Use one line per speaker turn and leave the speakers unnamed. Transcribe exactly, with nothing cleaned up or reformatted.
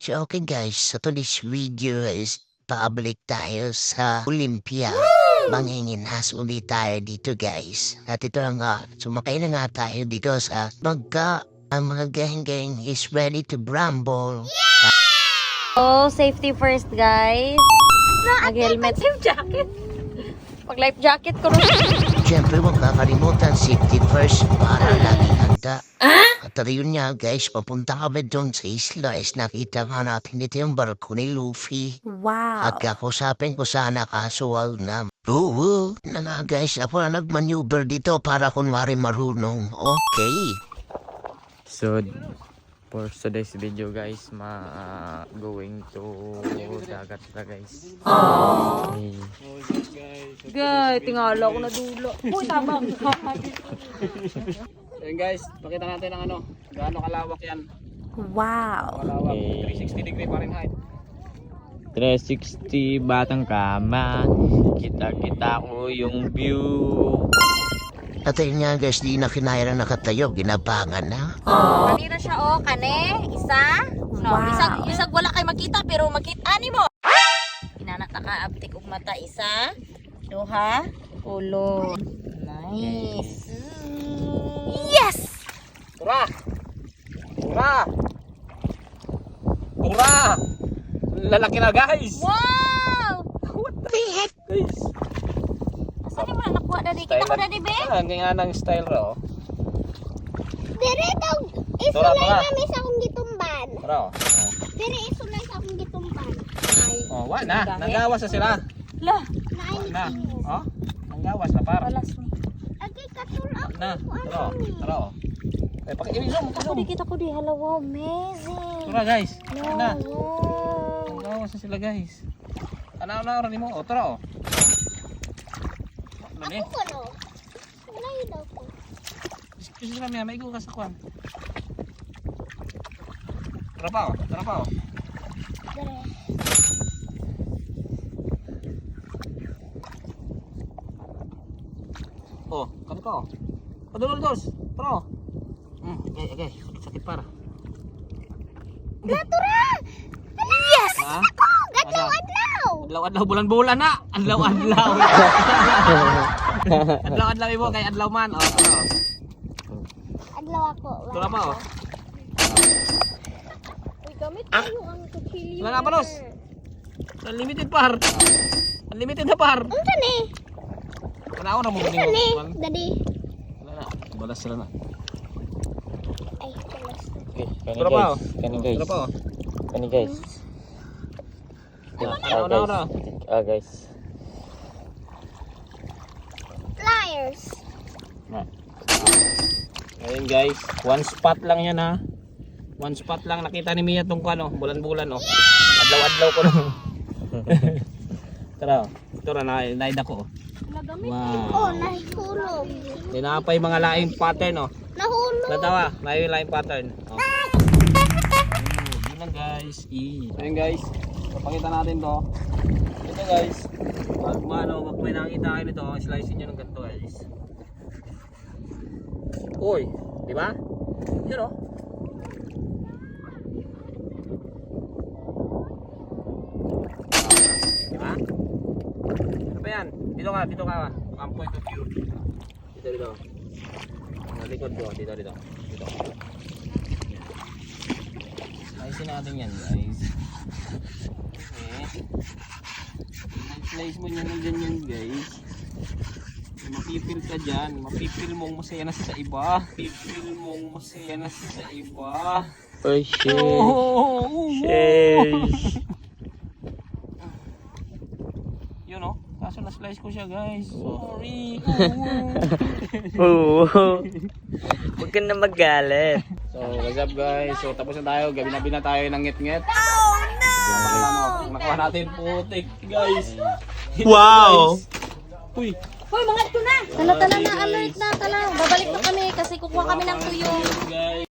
So okay guys, so today's video is public tayo sa Olympia. Manginginhas ulit tayo dito guys. At ito na nga, sumakay na nga tayo dito sa magka ang mga geng-geng is ready to bramble.
Oh, safety first guys. Mag-helmet. Life jacket. Pag-life jacket ko rin.
Siyempre huwag kakalimutan, safety first para laging handa. At yun nga guys, papunta kami doon sa isla is nakita nga natin dito yung barko ni Luffy.
Wow.
At kakusapin ko sana kaso wag na. Oo, na nga guys, ako na nag-maneuver dito para kunwari marunong. Okay.
So for today's video guys, ma uh, going to dagat na guys. Okay.
Gay, tingala ko na dulo. Uy, tabang.
Ayan guys, pakita natin ang ano, gaano kalawak yan.
Wow.
Kalawak,
Okay.
three sixty degree Fahrenheit.
three sixty batang kama. Kita-kita ko yung view.
At yun nga guys, di na kinaya na nakatayo, ginabangan na.
Kanina siya oh, kane, isa. No,
Wow.
isag, isag wala kay makita pero makita ani mo. Inanak na ka abtik og mata isa, duha, ulo. Nice. Yes!
Tura! Tura! Tura! Lalaki na guys!
Wow!
What the heck guys?
Asa ni mo na nakuha dadi? Kita mo dadi be?
Ah, nga ng style ro.
Dire daw
Tura,
isulay
tura.
namin sa akong gitumban.
Tura oh.
Dire isulay sa akong gitumban. Ay,
Oh, wala na. Nanggawas na sila.
Lah,
naay
Wala na.
ni
Oh, nanggawas na par.
balas mo.
Agay katulak
Na.
ko
Tura oh.
ano ni.
Tura oh. Eh, pakiibig mo.
Ako di kita ko di hello, wow, amazing.
Tura guys.
No,
Ano na?
wow.
Nanggawas na sila guys. Ano na oras mo? Oh, tura oh. Ano ni?
Ako ko no. Wala daw ko.
Excuse me, may igo ka sa kwan. Tara pa oh. Tara pa oh.
Dire.
Oh, kami ka oh. Padulol-dos. Tara oh. Hmm, okay, okay. Sakit para.
Natura! Yes!
Ha?
Ako! Gadlaw
Ano?
adlaw!
Adlaw-adlaw, bulan-bulan na. Adlaw-adlaw. Adlaw-adlaw mo kay adlaw man. Oh, tara oh.
Adlaw ako.
Tara pa oh.
Uy, gamit tayo ang kutsilyo.
Wala nga, Panos. Unlimited par. Unlimited na par.
Unsa ni?
Wala ako na mo
Unsa ni?
man.
Dadi.
Wala na. Balas sila na.
Ay, tulas.
Okay, kani
Tara pa,
guys.
oh.
Kani guys.
Tara pa oh.
Kani guys.
Ano,
Ah,
ano, ano?
guys. Ah guys.
Flyers.
Ayun guys, one spot lang yan ha. One spot lang nakita ni Mia tong ano, bulan-bulan oh. Adlaw-adlaw ko no. Tara, oh. Ito na naid ako. Oh.
Oh,
Wow.
nahulog.
Dinapay mga laing pattern oh.
Nahulog.
Natawa, may laing pattern. Oh. Mm, yun lang guys. E. Ayun guys, papakita natin to. Ito guys. Pag ano, pag may nakita kayo nito, slice niyo ng ganito guys. Uy, di ba? Yun oh. Di ba? Ano ba yan? Dito ka, dito ka. Ang point of view. Dito, dito. Sa likod ko, dito, dito. Dito. Ayusin natin yan guys. Okay. Slice mo nyo ng ganyan guys. Mapipil ka dyan. Mapipil mong masaya na sa iba. Mapipil mong masaya na sa iba.
Oh shit.
Oh,
Shit.
yun oh. Kaso na-slice ko siya guys. Sorry.
Oo. Huwag ka na magalit.
So what's up guys? So tapos na tayo. Gabi-gabi na tayo ng ngit-ngit. Oh no! Nakuha natin putik guys.
Wow.
Uy.
Hoy, mga ito na. Tala-tala na alert na, tala. Babalik na kami kasi kukuha kami ng tuyo.
Guys.